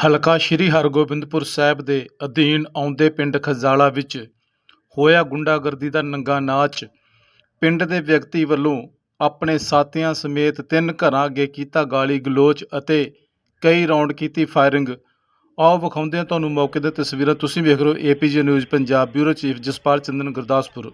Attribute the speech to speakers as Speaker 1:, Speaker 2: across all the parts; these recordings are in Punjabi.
Speaker 1: ਹਲਕਾ ਸ੍ਰੀ ਹਰਗੋਬਿੰਦਪੁਰ ਸਾਹਿਬ ਦੇ ਅਧੀਨ ਆਉਂਦੇ ਪਿੰਡ ਖਜਾਲਾ ਵਿੱਚ ਹੋਇਆ ਗੁੰਡਾਗਰਦੀ ਦਾ ਨੰਗਾ ਨਾਚ। ਪਿੰਡ ਦੇ ਵਿਅਕਤੀ ਵੱਲੋਂ ਆਪਣੇ ਸਾਥੀਆਂ ਸਮੇਤ 3 ਘਰਾਂ ਅੱਗੇ ਕੀਤਾ ਗਾਲੀ ਗਲੋਚ ਅਤੇ ਕਈ ਰਾਉਂਡ ਕੀਤੀ ਫਾਇਰਿੰਗ। ਆਓ ਵਿਖਾਉਂਦੇ ਹਾਂ ਤੁਹਾਨੂੰ ਮੌਕੇ ਦੀਆਂ ਤਸਵੀਰਾਂ। ਤੁਸੀਂ ਵੇਖ ਰਹੇ ਹੋ APJ news Punjab. Bureau chief Jaspal Chandan, Gurdaspur.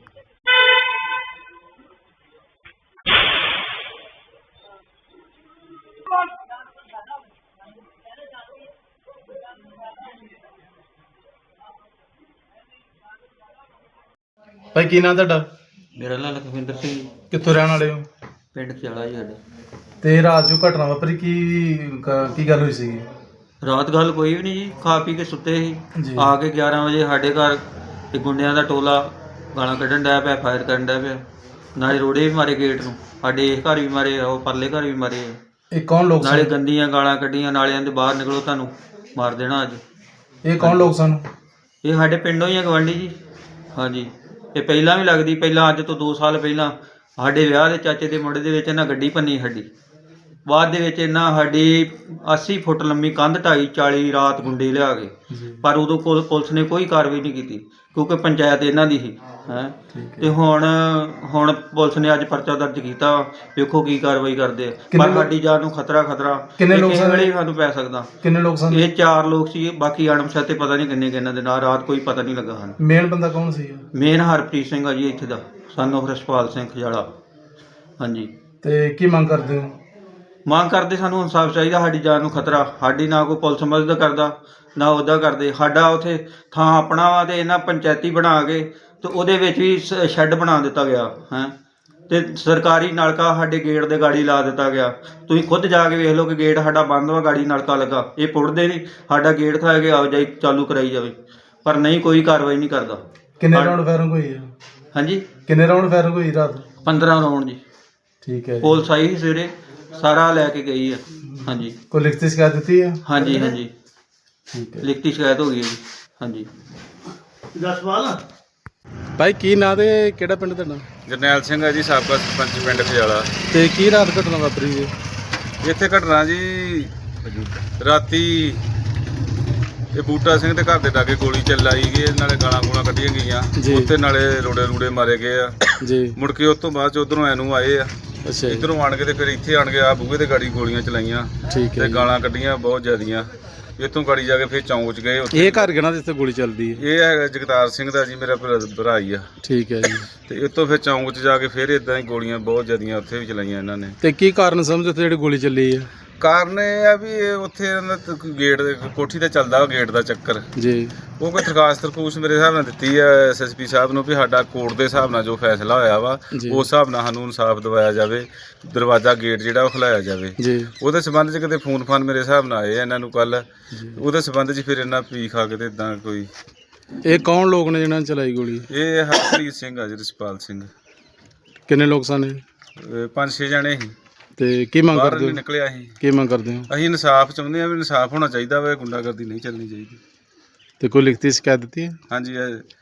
Speaker 1: ਭਾਈ ਕੀ ਨਾਂ ਤੁਹਾਡਾ?
Speaker 2: ਮੇਰਾ ਨਾਂ ਲਖਵਿੰਦਰ ਸਿੰਘ ਜੀ।
Speaker 1: ਕਿੱਥੋਂ ਰਹਿਣ ਵਾਲੇ ਹੋ?
Speaker 2: ਪਿੰਡ ਖਿਆਲਾ ਜੀ ਸਾਡਾ।
Speaker 1: ਤੇ ਰਾਤ ਜੋ ਘਟਨਾ ਵਾਪਰੀ ਕੀ ਗੱਲ ਹੋਈ ਸੀਗੀ?
Speaker 2: ਰਾਤ ਗੱਲ ਕੋਈ ਵੀ ਨਹੀਂ ਜੀ, ਖਾ ਪੀ ਕੇ ਸੁੱਤੇ ਸੀ।
Speaker 1: ਜੀ।
Speaker 2: ਆ ਕੇ 11 ਵਜੇ ਸਾਡੇ ਘਰ ਤੇ ਗੁੰਡਿਆਂ ਦਾ ਟੋਲਾ ਗਾਲਾਂ ਕੱਢਣ ਡਿਆ ਪਿਆ, ਫਾਇਰ ਕਰਨ ਡਿਆ ਪਿਆ। ਨਾਲੇ ਰੋੜੇ ਵੀ ਮਾਰੇ ਗੇਟ ਨੂੰ, ਸਾਡੇ ਇਸ ਘਰ ਵੀ ਮਾਰੇ, ਉਹ ਪਰਲੇ ਘਰ ਵੀ ਮਾਰੇ।
Speaker 1: ਇਹ ਕੌਣ ਲੋਕ
Speaker 2: ਨਾਲੇ
Speaker 1: ਸਨ?
Speaker 2: ਗੰਦੀਆਂ ਗਾਲਾਂ ਕੱਢੀਆਂ, ਨਾਲੇ ਕਹਿੰਦੇ ਬਾਹਰ ਨਿਕਲੋ ਤੁਹਾਨੂੰ ਮਾਰ ਦੇਣਾ ਅੱਜ।
Speaker 1: ਇਹ ਕੌਣ ਲੋਕ ਸਨ?
Speaker 2: ਇਹ ਸਾਡੇ ਪਿੰਡੋਂ ਹੀ ਆ, ਗਵਾਂਢੀ ਜੀ। ਹਾਂਜੀ, ਇਹ ਪਹਿਲਾਂ ਵੀ ਲੱਗਦੀ, ਪਹਿਲਾਂ ਅੱਜ ਤੋਂ 2 ਸਾਲ ਪਹਿਲਾਂ ਸਾਡੇ ਵਿਆਹ ਦੇ ਚਾਚੇ ਦੇ ਮੁੰਡੇ ਦੇ ਵਿੱਚ ਇਹਨਾਂ ਗੱਡੀ ਭੰਨੀ ਸਾਡੀ। ਬਾਅਦ ਦੇ ਵਿੱਚ ਇਹਨਾਂ ਸਾਡੀ 80 ਫੁੱਟ ਲੰਮੀ ਕੰਧ ਢਾਈ 40 ਰਾਤ ਗੁੰਡੇ ਲਿਆ ਕੇ, ਪਰ ਉਦੋਂ ਪੁਲਿਸ ਨੇ ਕੋਈ ਕਾਰਵਾਈ ਨਹੀਂ ਕੀਤੀ ਕਿਉਂਕਿ ਪੰਚਾਇਤ ਇਹਨਾਂ ਦੀ ਸੀ ਹੈ। ਤੇ ਹੁਣ ਪੁਲਿਸ ਨੇ ਅੱਜ ਪਰਚਾ ਦਰਜ ਕੀਤਾ, ਵੇਖੋ ਕੀ ਕਾਰਵਾਈ ਕਰਦੇ ਆ। ਪਰ ਸਾਡੀ ਜਾਨ ਨੂੰ ਖਤਰਾ
Speaker 1: ਕਿੰਨੇ ਲੋਕ ਸਨ?
Speaker 2: ਵੇਲੇ ਸਾਨੂੰ ਪੈ ਸਕਦਾ।
Speaker 1: ਕਿੰਨੇ ਲੋਕ ਸਨ?
Speaker 2: ਇਹ 4 ਲੋਕ ਸੀ, ਬਾਕੀ ਅਣਪਛਾਤੇ ਪਤਾ ਨਹੀਂ ਕਿੰਨੇ ਕਿੰਨਾਂ ਦੇ ਨਾਲ। ਰਾਤ ਕੋਈ ਪਤਾ ਨਹੀਂ ਲੱਗਾ ਹਨ।
Speaker 1: ਮੇਨ ਬੰਦਾ ਕੌਣ ਸੀ?
Speaker 2: ਮੇਨ ਹਰਪ੍ਰੀਤ ਸਿੰਘ ਆ ਜੀ, ਇੱਥੇ ਦਾ ਸਨ ਆਫ ਰਸਪਾਲ ਸਿੰਘ ਖਜਾਲਾ। ਹਾਂਜੀ।
Speaker 1: ਤੇ ਕੀ ਮੰਗ ਕਰਦੇ ਹੋ?
Speaker 2: ਮੰਗ ਕਰਦੇ ਸਾਨੂੰ ਇਨਸਾਫ ਚਾਹੀਦਾ। ਸਾਡੀ ਜਾਨ ਨੂੰ ਖਤਰਾ। ਸਾਡੀ ਨਾ ਕੋਈ ਪੁਲਿਸ ਮਦਦ ਕਰਦਾ ਨਾ ਉਹਦਾ ਕਰਦੇ। ਸਾਡਾ ਉੱਥੇ ਥਾਂ ਆਪਣਾ ਵਾ ਤੇ ਇਹਨਾਂ ਪੰਚਾਇਤੀ ਬਣਾ ਕੇ ਤੇ ਉਹਦੇ ਵਿੱਚ ਵੀ ਸ਼ੈੱਡ ਬਣਾ ਦਿੱਤਾ ਗਿਆ ਹੈ। ਤੇ ਸਰਕਾਰੀ ਨਲਕਾ ਸਾਡੇ ਗੇਟ ਦੇ ਗਾੜੀ ਲਾ ਦਿੱਤਾ ਗਿਆ। ਤੁਸੀਂ ਖੁਦ ਜਾ ਕੇ ਵੇਖ ਲਓ ਕਿ ਗੇਟ ਸਾਡਾ ਬੰਦ ਵਾ, ਗਾੜੀ ਨਲਕਾ ਲੱਗਾ। ਇਹ ਪੁੱਟਦੇ ਨਹੀਂ, ਸਾਡਾ ਗੇਟ ਖਾ ਕੇ ਆਵਾਜਾਈ ਚਾਲੂ ਕਰਾਈ ਜਾਵੇ, ਪਰ ਨਹੀਂ, ਕੋਈ ਕਾਰਵਾਈ ਨਹੀਂ ਕਰਦਾ।
Speaker 1: ਕਿੰਨੇ ਰਾਉਂਡ ਫਾਇਰਿੰਗ ਹੋਈ ਹੈ?
Speaker 2: ਹਾਂਜੀ,
Speaker 1: ਕਿੰਨੇ ਰਾਉਂਡ ਫਾਇਰਿੰਗ ਹੋਈ ਰਾਤ?
Speaker 2: 15 ਰਾਉਂਡ ਜੀ।
Speaker 1: ਠੀਕ ਹੈ।
Speaker 2: ਪੁਲਿਸ ਆਈ ਸੀ ਸਵੇਰੇ, ਸਾਰਾ ਲੈ ਕੇ ਗਈ ਆ। ਹਾਂਜੀ।
Speaker 1: ਕੋਈ ਲਿਖਤੀ ਸ਼ਿਕਾਇਤ ਦਿੱਤੀ ਹੈ?
Speaker 2: ਹਾਂਜੀ ਹਾਂਜੀ,
Speaker 1: ਠੀਕ ਹੈ।
Speaker 2: ਲਿਖਤੀ ਸ਼ਿਕਾਇਤ ਹੋ ਗਈ ਹੈ ਜੀ। ਹਾਂਜੀ।
Speaker 1: ਜਸਪਾਲ ਭਾਈ ਕੀ ਨਾਂ ਤੇ ਕਿਹੜਾ ਪਿੰਡ ਤੁਹਾਡਾ?
Speaker 3: ਜਰਨੈਲ ਸਿੰਘ ਹੈ ਜੀ, ਸਾਬਕਾ ਸਰਪੰਚ ਪਿੰਡ ਖਜਾਲਾ।
Speaker 1: ਤੇ ਕੀ ਰਾਤ ਘਟਨਾ ਵਾਪਰੀ ਜੀ?
Speaker 3: ਇੱਥੇ ਘਟਨਾ ਜੀ ਰਾਤੀ ਇਹ ਬੂਟਾ ਸਿੰਘ ਦੇ ਘਰ ਦੇ ਲਾਗੇ ਗੋਲੀ ਚਲਾਈ ਗਈ, ਨਾਲੇ ਗਾਲਾਂ ਗੂਲਾਂ ਕੱਢੀਆਂ ਗਈਆਂ ਉੱਤੇ, ਨਾਲੇ ਰੋੜੇ ਮਾਰੇ ਗਏ ਆ ਜੀ। ਮੁੜ ਕੇ ਉਸ ਤੋਂ ਬਾਅਦ ਚ ਉਧਰੋਂ ਐਨੂੰ ਆਏ ਆ। ਅੱਛਾ। ਇੱਧਰੋਂ ਆਣ ਕੇ ਤੇ ਫਿਰ ਇੱਥੇ ਆਣ ਕੇ ਆ ਬੂਹੇ ਦੇ ਗਾੜੀ ਗੋਲੀਆਂ ਚਲਾਈਆਂ ਤੇ ਗਾਲਾਂ ਕੱਢੀਆਂ ਬਹੁਤ ਜ਼ਿਆਦੀਆਂ। ਇੱਥੋਂ ਗਾੜੀ ਜਾ ਕੇ ਫਿਰ ਚੌਂਕ ਚ ਗਏ।
Speaker 1: ਇਹ ਘਰ ਕਿਹਨਾਂ ਜਿੱਥੇ ਗੋਲੀ ਚੱਲਦੀ ਹੈ?
Speaker 3: ਇਹ ਹੈਗਾ ਜਗਤਾਰ ਸਿੰਘ ਦਾ ਜੀ, ਮੇਰਾ ਭਰਾ ਹੀ ਆ। ਠੀਕ ਹੈ ਜੀ। ਤੇ ਇੱਥੋਂ ਫਿਰ ਚੌਂਕ ਚ ਜਾ ਕੇ ਫਿਰ ਇਦਾਂ ਹੀ ਗੋਲੀਆਂ ਬਹੁਤ ਜ਼ਿਆਦੀਆਂ ਉੱਥੇ ਵੀ ਚਲਾਈਆਂ ਇਹਨਾਂ ਨੇ। ਤੇ
Speaker 1: ਕੀ ਕਾਰਨ ਸਮਝੋ ਉੱਥੇ ਜਿਹੜੀ ਗੋਲੀ ਚੱਲੀ ਹੈ?
Speaker 3: ਕਾਰਨ ਇਹ ਆ ਵੀ ਉੱਥੇ ਗੇਟ ਦੇ ਕੋਠੀ ਤੇ ਚੱਲਦਾ ਗੇਟ ਦਾ ਚੱਕਰ ਜੀ। ਉਹ ਕੋਈ ਦਰਖਾਸਤ ਮੇਰੇ ਹਿਸਾਬ ਨਾਲ ਦਿੱਤੀ ਆ SSP ਸਾਹਿਬ ਨੂੰ ਵੀ ਸਾਡਾ ਕੋਰਟ ਦੇ ਹਿਸਾਬ ਨਾਲ ਜੋ ਫੈਸਲਾ ਹੋਇਆ ਵਾ ਉਸ ਹਿਸਾਬ ਨਾਲ ਸਾਨੂੰ ਇਨਸਾਫ ਦਿਵਾਇਆ ਜਾਵੇ, ਦਰਵਾਜ਼ਾ ਗੇਟ ਜਿਹੜਾ ਉਹ ਖੁਲਾਇਆ ਜਾਵੇ ਜੀ। ਉਹਦੇ ਸੰਬੰਧ 'ਚ ਕਿਤੇ ਫੋਨ ਮੇਰੇ ਹਿਸਾਬ ਨਾਲ ਆਏ ਇਹਨਾਂ ਨੂੰ ਕੱਲ, ਉਹਦੇ ਸੰਬੰਧ 'ਚ ਫਿਰ ਇਹਨਾਂ ਪੀ ਖਾ ਕੇ ਤੇ ਇਦਾਂ ਕੋਈ।
Speaker 1: ਇਹ ਕੌਣ ਲੋਕ ਨੇ ਜਿਹਨਾਂ ਨੇ ਚਲਾਈ ਗੋਲੀ?
Speaker 3: ਇਹ ਹਰਪ੍ਰੀਤ ਸਿੰਘ ਆ ਜੀ, ਰਸਪਾਲ ਸਿੰਘ।
Speaker 1: ਕਿੰਨੇ ਲੋਕ ਸਨ?
Speaker 3: 5-6 ਜਣੇ ਸੀ।
Speaker 1: ਤੇ ਕੀ ਮੰਗ ਕਰਦੇ ਹੋ?
Speaker 3: ਨਿਕਲਿਆ ਸੀ।
Speaker 1: ਕੀ ਮੰਗ ਕਰਦੇ ਹੋ?
Speaker 3: ਅਸੀਂ ਇਨਸਾਫ ਚਾਹੁੰਦੇ ਹਾਂ ਵੀ ਇਨਸਾਫ ਹੋਣਾ ਚਾਹੀਦਾ ਵਾ, ਗੁੰਡਾਗਰਦੀ ਨਹੀਂ ਚੱਲਣੀ ਚਾਹੀਦੀ।
Speaker 1: ਤੇ ਕੋਈ ਲਿਖਤੀ ਸ਼ਿਕਾਇਤ ਦਿੱਤੀ ਹੈ?
Speaker 3: ਹਾਂਜੀ,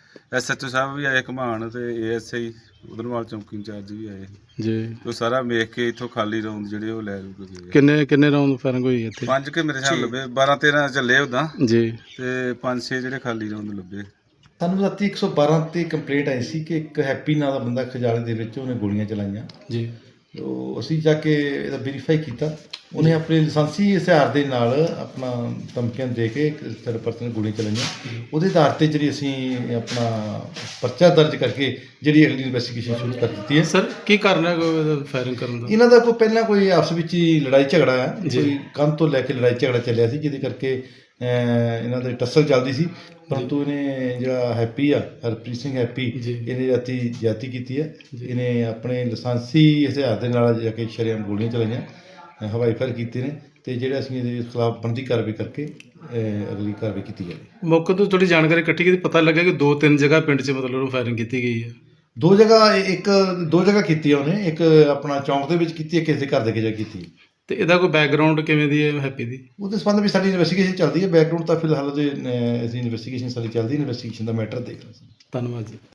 Speaker 3: SHO ਸਾਹਿਬ ਵੀ ਆਏ ਘਮਾਣ ਤੇ ASI ਉਧਰਵਾਲ ਚੌਂਕੀ ਇੰਚਾਰਜ ਵੀ ਆਏ ਜੀ। ਉਹ ਸਾਰਾ ਵੇਖ ਕੇ ਇੱਥੋਂ ਖਾਲੀ ਰਾਉਂਡ ਜਿਹੜੇ ਉਹ ਲੈ ਲੂ ਗਏ।
Speaker 1: ਕਿੰਨੇ ਰਾਉਂਡ ਫਾਇਰਿੰਗ ਹੋਈ ਇੱਥੇ?
Speaker 3: 5 ਕੇ ਮੇਰੇ ਹਿਸਾਬ ਲੱਭੇ, 12-13 ਚੱਲੇ ਉਦਾਂ ਜੀ, ਤੇ 5-6 ਜਿਹੜੇ ਖਾਲੀ ਰਾਉਂਡ ਲੱਭੇ।
Speaker 4: ਸਾਨੂੰ ਰਾਤੀ 112 ਤੇ ਕੰਪਲੇਂਟ ਆਈ ਸੀ ਕਿ ਇੱਕ ਹੈਪੀ ਨਾਂ ਦਾ ਬੰਦਾ ਖਜਾਲੇ ਦੇ ਵਿੱਚ ਉਹਨੇ ਗੋਲੀਆਂ ਚਲਾਈਆਂ ਜੀ। ਤੋ ਅਸੀਂ ਜਾ ਕੇ ਇਹਦਾ ਵੈਰੀਫਾਈ ਕੀਤਾ। ਉਹਨੇ ਆਪਣੇ ਲਾਇਸੈਂਸੀ ਹਥਿਆਰ ਦੇ ਨਾਲ ਆਪਣਾ ਧਮਕੀਆਂ ਦੇ ਕੇ ਇੱਕ ਥਰਡ ਪਰਸਨ ਗੋਲੀਆਂ ਚਲਾਈਆਂ। ਉਹਦੇ ਆਧਾਰ 'ਤੇ ਜਿਹੜੀ ਅਸੀਂ ਆਪਣਾ ਪਰਚਾ ਦਰਜ ਕਰਕੇ ਜਿਹੜੀ ਅਗਲੀ ਇਨਵੈਸਟੀਗੇਸ਼ਨ ਸ਼ੁਰੂ ਕਰ ਦਿੱਤੀ ਹੈ।
Speaker 1: ਸਰ ਕੀ ਕਾਰਨ ਹੈ ਫਾਇਰਿੰਗ ਕਰਨ ਦਾ?
Speaker 4: ਇਹਨਾਂ ਦਾ ਕੋਈ ਪਹਿਲਾਂ ਕੋਈ ਆਪਸ ਵਿੱਚ ਹੀ ਲੜਾਈ ਝਗੜਾ ਹੈ, ਕੋਈ ਕੰਧ ਤੋਂ ਲੈ ਕੇ ਲੜਾਈ ਝਗੜਾ ਚੱਲਿਆ ਸੀ, ਜਿਹਦੇ ਕਰਕੇ ਇਹਨਾਂ ਦੀ ਟੱਸਲ ਚੱਲਦੀ ਸੀ। ਪਰੰਤੂ ਇਹਨੇ ਜਿਹੜਾ ਹੈਪੀ ਆ, ਹਰਪ੍ਰੀਤ ਸਿੰਘ ਹੈਪੀ, ਇਹਨੇ ਰਾਤੀ ਜ਼ਿਆਦਤੀ ਕੀਤੀ ਹੈ। ਇਹਨੇ ਆਪਣੇ ਲਾਇਸੈਂਸੀ ਹਥਿਆਰ ਦੇ ਨਾਲ ਜਾ ਕੇ ਸ਼ਰੇਆਮ ਗੋਲੀਆਂ ਚਲਾਈਆਂ, ਹਵਾਈ ਫਾਇਰ ਕੀਤੇ ਨੇ, ਤੇ ਜਿਹੜਾ ਅਸੀਂ ਇਹਦੇ ਖਿਲਾਫ ਬਣਦੀ ਕਾਰਵਾਈ ਕਰਕੇ ਅਗਲੀ ਕਾਰਵਾਈ ਕੀਤੀ ਜਾਵੇ।
Speaker 1: ਮੌਕੇ ਤੋਂ ਥੋੜੀ ਜਾਣਕਾਰੀ ਇਕੱਠੀ ਕੀਤੀ, ਪਤਾ ਲੱਗਾ ਕਿ 2-3 ਜਗ੍ਹਾ ਪਿੰਡ 'ਚ ਮਤਲਬ ਫਾਇਰਿੰਗ ਕੀਤੀ ਗਈ ਹੈ।
Speaker 4: 2 ਜਗ੍ਹਾ ਕੀਤੀ ਹੈ ਉਹਨੇ, ਇੱਕ ਆਪਣਾ ਚੌਂਕ ਦੇ ਵਿੱਚ ਕੀਤੀ ਹੈ, ਕਿਸੇ ਦੇ ਘਰ ਦੇ ਕੇ ਕੀਤੀ।
Speaker 1: ਤੇ ਇਹਦਾ ਕੋਈ ਬੈਕਗ੍ਰਾਉਂਡ ਕਿਵੇਂ ਦੀ ਹੈ ਹੈਪੀ ਦੀ?
Speaker 4: ਉਹਦੇ ਸੰਬੰਧ ਵਿੱਚ ਸਾਡੀ ਇਨਵੈਸਟੀਗੇਸ਼ਨ ਚੱਲਦੀ ਹੈ। ਬੈਕਗ੍ਰਾਉਂਡ ਤਾਂ ਫਿਲਹਾਲ ਉਹਦੇ ਅਸੀਂ ਇਨਵੈਸਟੀਗੇਸ਼ਨ ਸਾਡੀ ਚੱਲਦੀ, ਇਨਵੈਸਟੀਗੇਸ਼ਨ ਦਾ ਮੈਟਰ ਦੇਖ ਰਹੇ ਸੀ।
Speaker 1: ਧੰਨਵਾਦ ਜੀ।